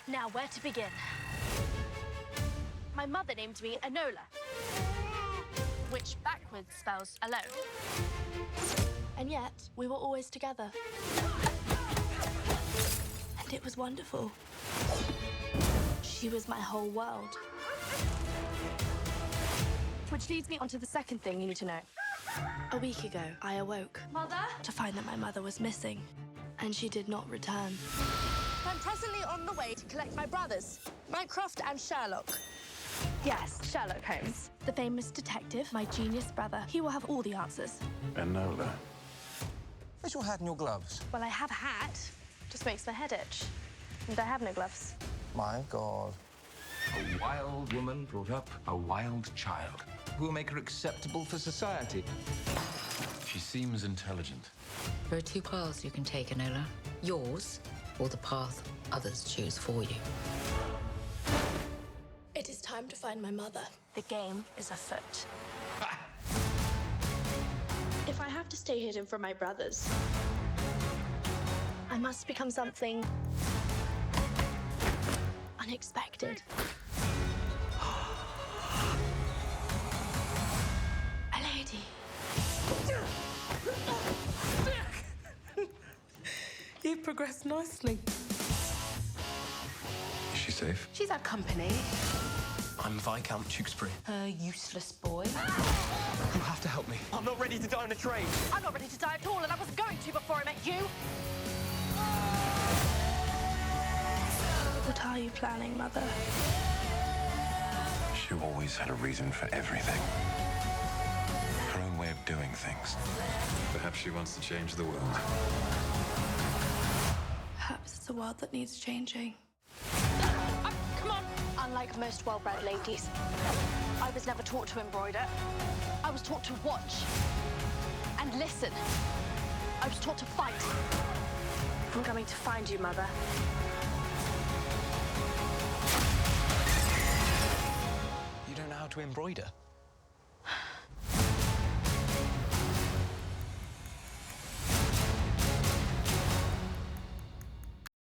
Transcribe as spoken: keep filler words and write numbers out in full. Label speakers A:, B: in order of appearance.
A: Now, where to begin? My mother named me Enola, which backwards spells alone. And yet, we were always together. And it was wonderful. She was my whole world. Which leads me on to the second thing you need to know. A week ago, I awoke. Mother? To find that my mother was missing, and she did not return. I'm presently on the way to collect my brothers, Mycroft and Sherlock. Yes, Sherlock Holmes. The famous detective, my genius brother. He will have all the answers.
B: Enola.
C: Where's your hat and your gloves?
A: Well, I have a hat. Just makes my head itch. And I have no gloves.
C: My God.
D: A wild woman brought up a wild child. Who will make her acceptable for society?
B: She seems intelligent.
E: There are two paths you can take, Enola. Yours, or the path others choose for you.
A: It is time to find my mother. The game is afoot. If I have to stay hidden from my brothers, I must become something unexpected. A lady.
F: You've progressed nicely.
B: Is she safe?
F: She's had company.
G: I'm Viscount Tewkesbury.
F: A useless boy.
G: You have to help me. I'm not ready to die on a train.
A: I'm not ready to die at all, and I wasn't going to before I met you. What are you planning, Mother?
B: She always had a reason for everything. Her own way of doing things. Perhaps she wants to change the world.
A: Perhaps it's a world that needs changing. Uh, come on! Unlike most well-bred ladies, I was never taught to embroider. I was taught to watch and listen. I was taught to fight. I'm coming to find you, Mother.
G: You don't know how to embroider?